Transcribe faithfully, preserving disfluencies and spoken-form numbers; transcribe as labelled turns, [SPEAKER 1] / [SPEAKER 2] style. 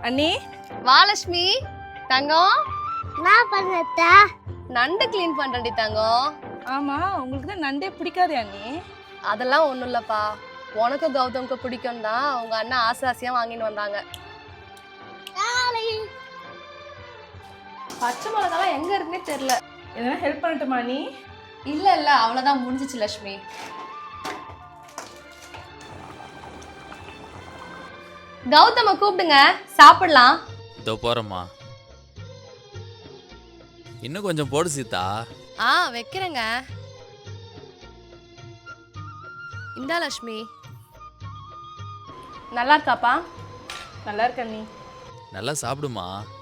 [SPEAKER 1] அண்ணி
[SPEAKER 2] வாலட்சுமி தங்கம்
[SPEAKER 3] நான் பண்ணத்த
[SPEAKER 2] நண்டு க்ளீன் பண்றேன்டி தங்கம்.
[SPEAKER 1] ஆமா உங்களுக்கு தான் நண்டே பிடிக்காதே அண்ணி.
[SPEAKER 2] அதெல்லாம் ஒண்ணும் இல்லப்பா, உனக்கு கௌதம்க்கு பிடிக்கும் தான் உங்க அண்ணா ஆசை ஆசையா வாங்கின்னு வந்தாங்க. பச்சை மிளகாலாம் எங்க இருக்குன்னே தெரியல.
[SPEAKER 1] எதனா ஹெல்ப் பண்ணட்டுமா நீ?
[SPEAKER 2] இல்ல இல்ல அவ்வளவுதான், முடிஞ்சிச்சு லட்சுமி. கௌதம கூப்பிடுங்க, சாப்பிடலாம்.
[SPEAKER 4] இதோ போறேம்மா. இன்னும் கொஞ்சம் போடு சீதா.
[SPEAKER 2] ஆ வைக்கிறேங்க. இந்தா லட்சுமி. நல்லா இருக்காப்பா?
[SPEAKER 1] நல்லா இருக்க அண்ணி.
[SPEAKER 4] நல்லா சாப்பிடுமா.